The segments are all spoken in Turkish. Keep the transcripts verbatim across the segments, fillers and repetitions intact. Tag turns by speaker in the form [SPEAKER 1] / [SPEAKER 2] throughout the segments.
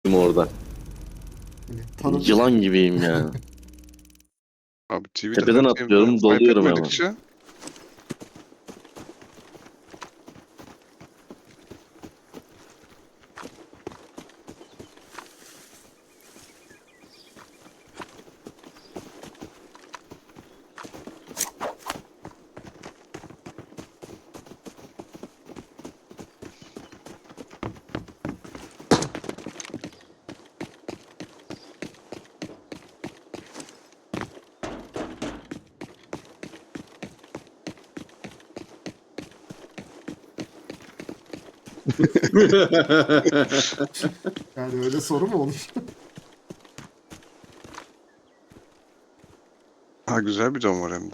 [SPEAKER 1] orada.
[SPEAKER 2] Hani tanıdık.
[SPEAKER 1] Yılan gibiyim yani.
[SPEAKER 3] Abi T V'de
[SPEAKER 1] Tepeden
[SPEAKER 3] her
[SPEAKER 1] atlıyorum,
[SPEAKER 3] şeyi
[SPEAKER 1] doluyorum
[SPEAKER 3] fark
[SPEAKER 1] hemen.
[SPEAKER 3] etmedikçe
[SPEAKER 2] Yani öyle soru mu olur?
[SPEAKER 3] ha güzel bir don var hem de.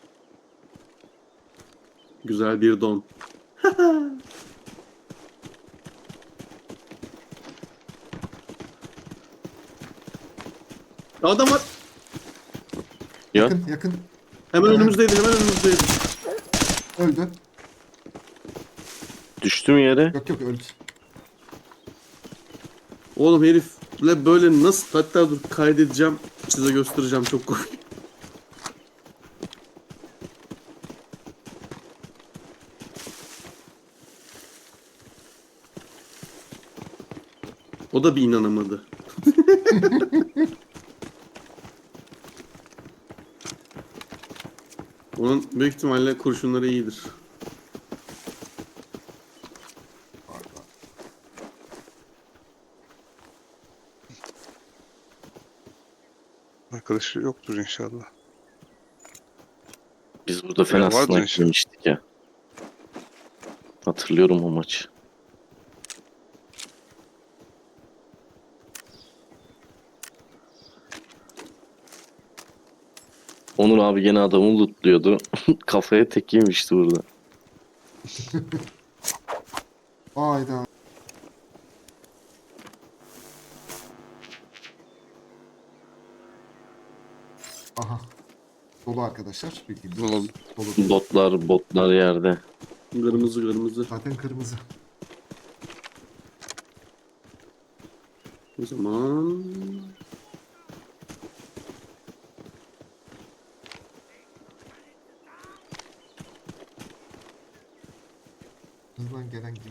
[SPEAKER 4] Güzel bir don. Adam var.
[SPEAKER 1] Ya
[SPEAKER 2] Yakın yakın.
[SPEAKER 4] Hemen
[SPEAKER 2] Evet.
[SPEAKER 4] önümüzdeydi, hemen önümüzdeydi.
[SPEAKER 2] Öldü.
[SPEAKER 1] düştüm yere.
[SPEAKER 2] Yok yok öldü.
[SPEAKER 4] Oğlum herifle böyle nasıl, hatta dur kaydedeceğim, size göstereceğim, çok komik. O da bir inanamadı. Onun büyük ihtimalle kurşunları iyidir.
[SPEAKER 2] Var, var.
[SPEAKER 3] Arkadaşı yoktur inşallah.
[SPEAKER 1] Biz burada
[SPEAKER 3] Ya
[SPEAKER 1] fena
[SPEAKER 3] vardır
[SPEAKER 1] sniper
[SPEAKER 3] inşallah.
[SPEAKER 1] yemiştik ya. Hatırlıyorum o maçı. Onur abi gene adamı lootluyordu. Kafaya tek yemişti burada.
[SPEAKER 2] Hayda. Aha. Dolu arkadaşlar. Bildiğiniz
[SPEAKER 3] Ne oldu?
[SPEAKER 2] olsun. Dolu.
[SPEAKER 1] Botlar, botlar yerde.
[SPEAKER 4] Kırmızı kırmızı.
[SPEAKER 2] Zaten kırmızı.
[SPEAKER 4] O zaman...
[SPEAKER 2] Hızlan gelen gibi.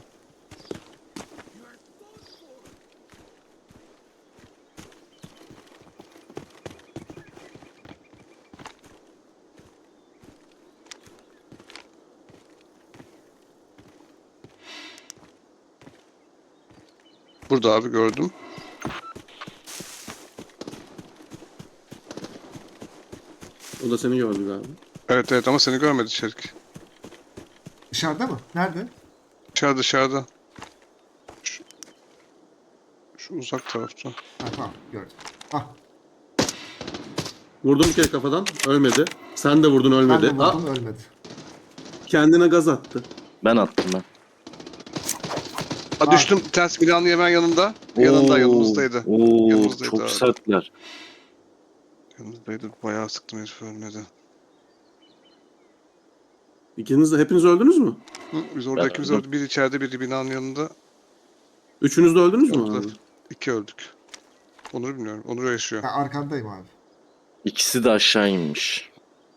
[SPEAKER 3] Burada abi gördüm.
[SPEAKER 4] O da seni gördü galiba.
[SPEAKER 3] Evet evet ama seni görmedi Şerik.
[SPEAKER 2] Dışarıda mı? Nerede?
[SPEAKER 3] Dışarıda dışarıda. Şu, şu uzak tarafta.
[SPEAKER 2] Ha tamam gördüm. Ah
[SPEAKER 4] Vurdum bir kere kafadan, ölmedi. Sen de vurdun,
[SPEAKER 2] ben
[SPEAKER 4] ölmedi.
[SPEAKER 2] de
[SPEAKER 4] Aa,
[SPEAKER 2] vurdum ölmedi.
[SPEAKER 4] kendine gaz attı.
[SPEAKER 1] Ben attım ben.
[SPEAKER 3] Ha düştüm. Ters binanın hemen yanında.
[SPEAKER 1] Oo,
[SPEAKER 3] Yanında yanımızdaydı.
[SPEAKER 1] Oo,
[SPEAKER 3] Yanımızdaydı
[SPEAKER 1] çok
[SPEAKER 3] abi.
[SPEAKER 1] sertler.
[SPEAKER 3] Yanımızdaydı. Bayağı sıktım herif ölmedi.
[SPEAKER 4] İkiniz de, hepiniz öldünüz mü?
[SPEAKER 3] Hı, biz orada
[SPEAKER 1] Ben
[SPEAKER 3] ikimiz
[SPEAKER 1] öldüm.
[SPEAKER 3] öldük. Biri içeride biri binanın yanında.
[SPEAKER 4] Üçünüz de öldünüz mü
[SPEAKER 3] Öldüler.
[SPEAKER 4] abi?
[SPEAKER 3] İki öldük. Onur bilmiyorum. Onur yaşıyor.
[SPEAKER 2] Ben arkandayım abi.
[SPEAKER 1] İkisi de aşağı inmiş.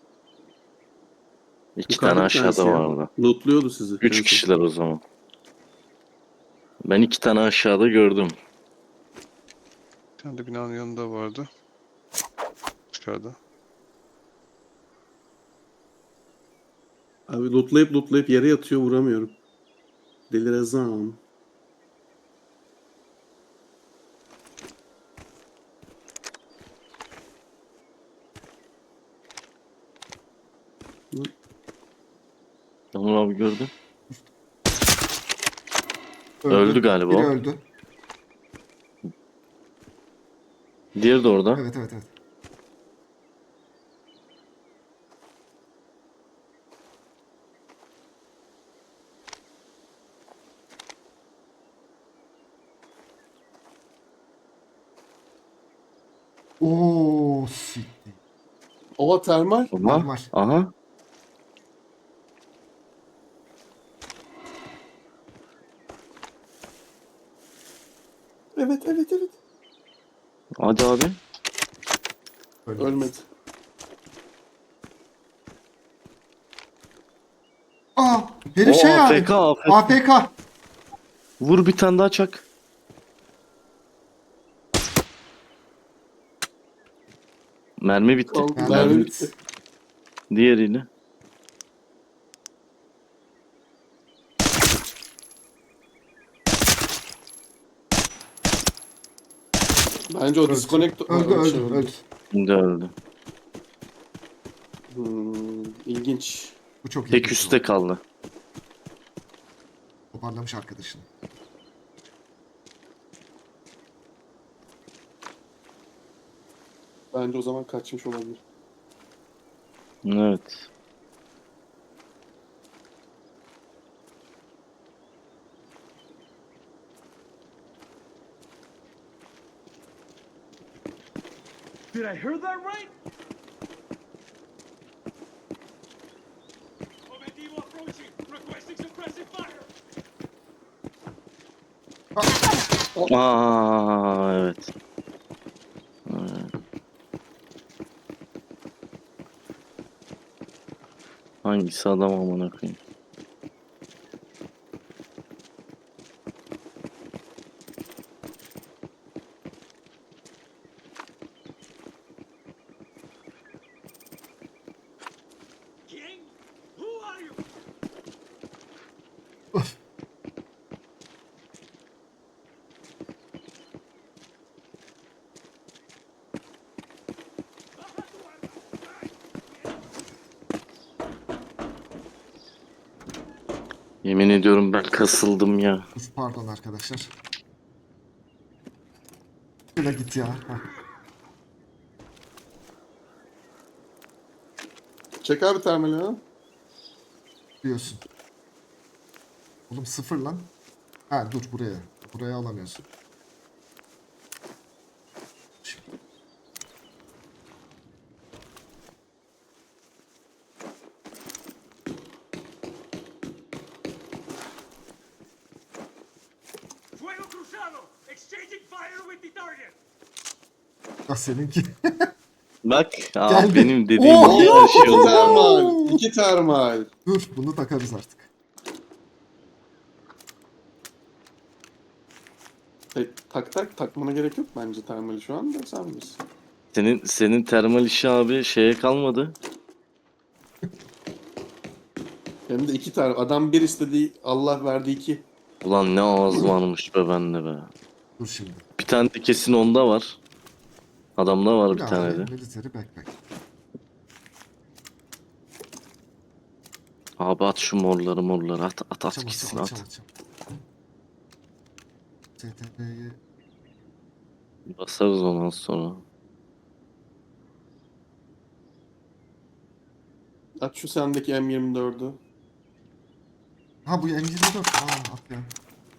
[SPEAKER 1] İki
[SPEAKER 4] Yukarıda
[SPEAKER 1] tane
[SPEAKER 4] bir tanesi
[SPEAKER 1] aşağıda
[SPEAKER 4] yani.
[SPEAKER 1] vardı.
[SPEAKER 4] Lootluyordu sizi.
[SPEAKER 1] Üç
[SPEAKER 4] en son.
[SPEAKER 1] kişiler o zaman. Ben iki tane aşağıda gördüm.
[SPEAKER 3] Bir tane de binanın yanında vardı. Dışarıda.
[SPEAKER 4] Abi lootlayıp lootlayıp yere yatıyor, vuramıyorum. Delirezam.
[SPEAKER 1] Onur abi gördüm.
[SPEAKER 2] Öldü,
[SPEAKER 1] Öldü galiba
[SPEAKER 2] Biri
[SPEAKER 1] o.
[SPEAKER 2] öldü.
[SPEAKER 1] Diğeri de orada.
[SPEAKER 2] Evet evet evet. Oo siktir.
[SPEAKER 4] Ova termal.
[SPEAKER 1] Aha.
[SPEAKER 2] Normal.
[SPEAKER 1] Aha.
[SPEAKER 4] Evet evet evet.
[SPEAKER 1] Hadi abi.
[SPEAKER 2] Öyle.
[SPEAKER 4] Ölmedi.
[SPEAKER 2] Aa, herif
[SPEAKER 1] O
[SPEAKER 2] şey abi.
[SPEAKER 1] A F K, A F K.
[SPEAKER 2] A F K.
[SPEAKER 1] Vur bir tane daha çak. Mermi bitti.
[SPEAKER 4] Kaldı.
[SPEAKER 2] Yani
[SPEAKER 4] Mermi
[SPEAKER 2] evet.
[SPEAKER 4] bitti.
[SPEAKER 1] Diğeriyle.
[SPEAKER 4] Bence o
[SPEAKER 2] Öldü.
[SPEAKER 4] disconnect...
[SPEAKER 2] Öldü
[SPEAKER 4] Ha,
[SPEAKER 2] öldü
[SPEAKER 4] şey
[SPEAKER 2] öldü.
[SPEAKER 1] Şimdi öldü.
[SPEAKER 4] Hmm, ilginç.
[SPEAKER 2] Bu çok iyi.
[SPEAKER 1] Tek üstte kaldı.
[SPEAKER 2] Toparlamış arkadaşını.
[SPEAKER 4] Bence o zaman kaçmış olabilir.
[SPEAKER 1] Evet.
[SPEAKER 5] Did I hear that right? Objetivo approaching. Requesting suppressive fire.
[SPEAKER 1] Aa evet. Evet. Hangisi adam amına koyayım?
[SPEAKER 5] King? Who are you?
[SPEAKER 1] Yemin ediyorum ben kasıldım ya.
[SPEAKER 2] Uf, pardon arkadaşlar. Şöyle git ya. Hah.
[SPEAKER 4] Çek abi termali ha.
[SPEAKER 2] Diyorsun. Oğlum sıfır lan. Ha dur buraya. Buraya alamıyorsun. Şimdi.
[SPEAKER 5] Fuego cruzado. Exchanging fire with the target.
[SPEAKER 2] Ah seninki.
[SPEAKER 1] Bak aa,
[SPEAKER 2] Geldi.
[SPEAKER 1] benim dediğim
[SPEAKER 2] Oo!
[SPEAKER 1] gibi yaşıyor.
[SPEAKER 4] İki termal. İki termal.
[SPEAKER 2] Dur bunu takarız artık.
[SPEAKER 4] E, tak tak takmana gerek yok bence termali şu anda sen bilirsin.
[SPEAKER 1] Senin senin termal işi abi şeye kalmadı.
[SPEAKER 4] Hem de iki tane. Adam bir istediği Allah verdi iki.
[SPEAKER 1] Ulan ne ağız varmış be bende be.
[SPEAKER 2] Dur şimdi.
[SPEAKER 1] Bir tane de kesin onda var. Adamda var bir
[SPEAKER 2] Ne
[SPEAKER 1] tane
[SPEAKER 2] abi?
[SPEAKER 1] de.
[SPEAKER 2] Military backpack.
[SPEAKER 1] Abi at şu morları morları at at at
[SPEAKER 2] Açam
[SPEAKER 1] gitsin
[SPEAKER 2] açam
[SPEAKER 1] at.
[SPEAKER 2] açam açam. S T B'yi
[SPEAKER 1] Basarız ondan sonra.
[SPEAKER 4] Aç şu sendeki M yirmi dördü.
[SPEAKER 2] Ha bu M yirmi dört. Aa at ya.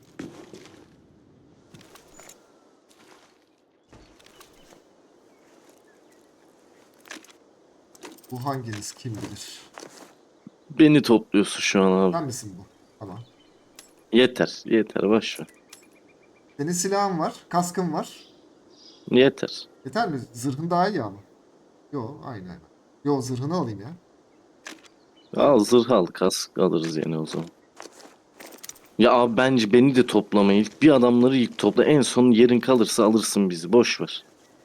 [SPEAKER 2] Bu hanginiz kim bilir?
[SPEAKER 1] Beni topluyorsun şu an abi.
[SPEAKER 2] Sen misin bu? Tamam.
[SPEAKER 1] Yeter yeter boş ver.
[SPEAKER 2] Senin silahın var, kaskın var.
[SPEAKER 1] Yeter.
[SPEAKER 2] Yeter mi? Zırhın daha iyi ama. Yo aynı aynı. Yo zırhını alayım ya.
[SPEAKER 1] Al zırh al kask alırız yine o zaman. Ya abi bence beni de toplama ilk. Bir adamları ilk topla. En son yerin kalırsa alırsın bizi. Boş ver.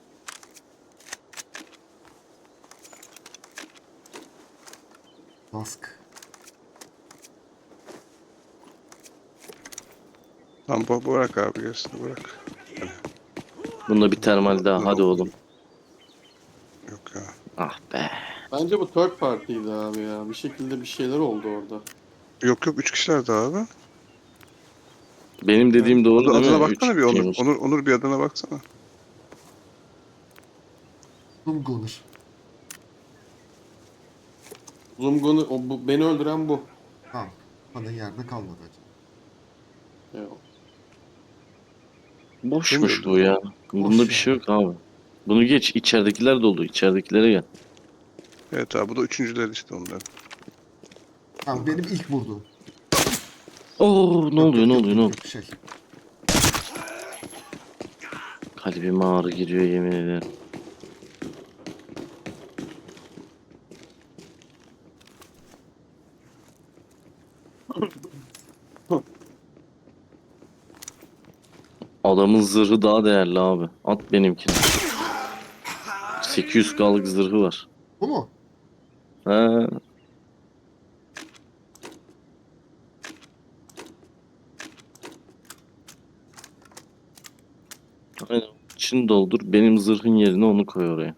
[SPEAKER 2] Kask.
[SPEAKER 3] Tamam bu bırak abi gerisini bırak.
[SPEAKER 1] Bunda bir termal daha. Hadi oğlum.
[SPEAKER 3] Yok ya.
[SPEAKER 1] Ah be.
[SPEAKER 4] Bence bu third party'ydi abi ya. Bir şekilde bir şeyler oldu orada.
[SPEAKER 3] Yok yok üç kişiler daha abi.
[SPEAKER 1] Benim dediğim doğru
[SPEAKER 3] Adı,
[SPEAKER 1] değil
[SPEAKER 3] adına
[SPEAKER 1] mi?
[SPEAKER 3] baksana
[SPEAKER 1] Üç
[SPEAKER 3] bir Onur.
[SPEAKER 1] kişiymiş.
[SPEAKER 3] Onur. Onur bir adına baksana.
[SPEAKER 2] Zoom Gunner.
[SPEAKER 4] Zumgun'u, o, bu, beni öldüren bu.
[SPEAKER 2] Tamam. Bana yerde kalmadı acaba.
[SPEAKER 4] Yok.
[SPEAKER 1] Boşmuş
[SPEAKER 3] Değil mi?
[SPEAKER 1] bu ya. Bunda
[SPEAKER 2] Boş
[SPEAKER 1] bir şey
[SPEAKER 2] ya.
[SPEAKER 1] yok abi. Bunu geç. İçeridekiler dolu. İçeridekilere gel.
[SPEAKER 3] Evet abi bu da üçüncüler işte onların.
[SPEAKER 2] Tamam benim ilk vurduğum.
[SPEAKER 1] Oo ne
[SPEAKER 2] Yok,
[SPEAKER 1] oluyor
[SPEAKER 2] yok,
[SPEAKER 1] ne
[SPEAKER 2] yok,
[SPEAKER 1] oluyor ne
[SPEAKER 2] yok,
[SPEAKER 1] oluyor?
[SPEAKER 2] yok, Şey.
[SPEAKER 1] Kalbime ağrı giriyor yemin ederim. Adamın zırhı daha değerli abi. At benimkini. sekiz yüz kalık zırhı var.
[SPEAKER 2] Bu mu?
[SPEAKER 1] He. Aynen. İçini doldur. Benim zırhın yerine onu koy oraya.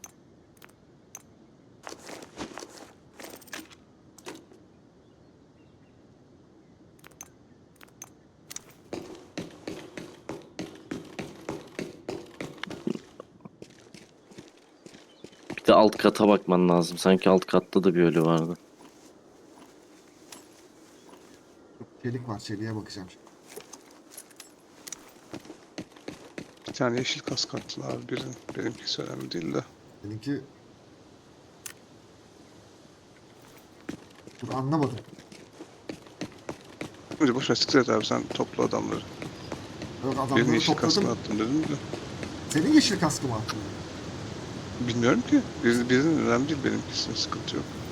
[SPEAKER 1] Bir de alt kata bakman lazım. Sanki alt katta da bir ölü vardı.
[SPEAKER 2] Çelik var. Çeliğe bakacağım şimdi.
[SPEAKER 3] Bir tane yeşil kask attılar abi birini. Benimkisi önemli değil de.
[SPEAKER 2] Seninki... Dur anlamadım.
[SPEAKER 3] Hadi boş ver siktir et abi sen topla adamları.
[SPEAKER 2] Yok
[SPEAKER 3] Birinin
[SPEAKER 2] adamları
[SPEAKER 3] yeşil kaskını
[SPEAKER 2] topladım.
[SPEAKER 3] attın dedim de.
[SPEAKER 2] Senin yeşil kaskı mı attın?
[SPEAKER 3] Bilmiyorum ki. Birinin, birinin önemli değil benimkisinin sıkıntı yok.